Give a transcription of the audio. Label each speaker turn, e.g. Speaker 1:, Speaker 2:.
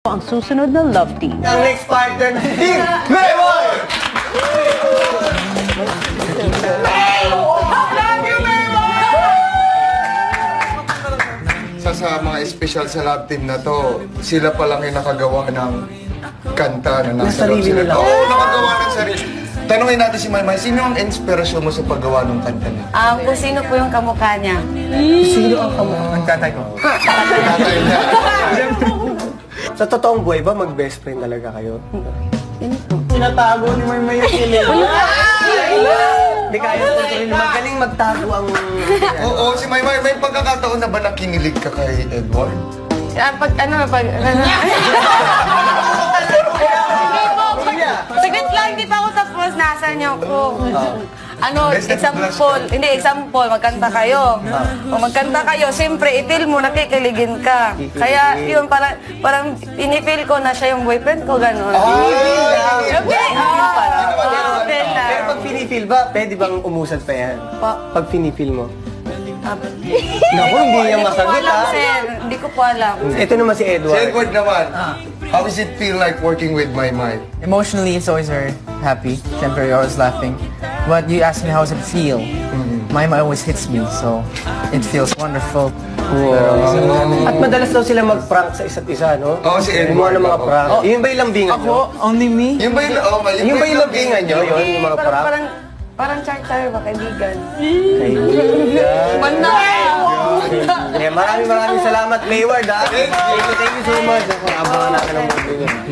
Speaker 1: Ang susunod na love team.
Speaker 2: Ang next partner, Team Mayward!
Speaker 3: Sa mga espesyal sa love team na to, sila pa lang yung nakagawa ng kanta na nasa loob sila. Oo, nakagawa ng sarili. Tanungin natin si Maymay, sino ang inspirasyon mo sa paggawa ng kanta niya?
Speaker 4: Kung sino po yung kamukha niya.
Speaker 2: Sino ang kamukha? Ang tatay ko.
Speaker 3: Tatay niya.
Speaker 2: Sa totoong buhay ba, mag-best friend talaga kayo?
Speaker 5: Tinatago ni Maymay yung kilig.
Speaker 2: Hindi kaya ko rin. Magaling magtago ang...
Speaker 3: Oo, si Maymay, may pagkakataon na ba nakinilig ka kay Edward?
Speaker 4: Saglit lang, hindi pa ako tapos. Nasaan niyo ako?
Speaker 3: Best
Speaker 4: Example, hindi, example, magkanta kayo. O magkanta kayo, siyempre, i-feel mo, nakikiligin ka. Kaya, yun, parang pinifeel ko na siya yung boyfriend ko, gano'n. Okay, feel na.
Speaker 2: Pero pag pinifeel ba, pwede bang umusad pa yan? Pag pinifeel mo? Naku, hindi niya masagot,
Speaker 4: Hindi ko po alam,
Speaker 2: ha?
Speaker 4: sir. Hindi ko po alam.
Speaker 2: Ito naman si
Speaker 3: Si
Speaker 2: Edward.
Speaker 3: Edward naman, how does it feel like working with Maymay?
Speaker 5: Emotionally, it's always very happy. Siyempre, you're always laughing. But you ask me how does it feel? Maymay always hits me, so it feels wonderful.
Speaker 2: At madalas daw sila mag-prank sa isa't isa, no?
Speaker 3: Oo, si Edward.
Speaker 2: Gumawa ng mga prank. Yun ba yung lambingan nyo?
Speaker 5: Ako? Only me?
Speaker 3: Yung ba yung,
Speaker 2: Yun ba yung lambingan nyo? Yun, yung mga prank?
Speaker 4: Parang char-char ba, kaibigan?
Speaker 2: Kaibigan.
Speaker 4: Banda!
Speaker 2: Maraming salamat, Mayward, ha? Thank you so much. Abangan natin ang movie niyo.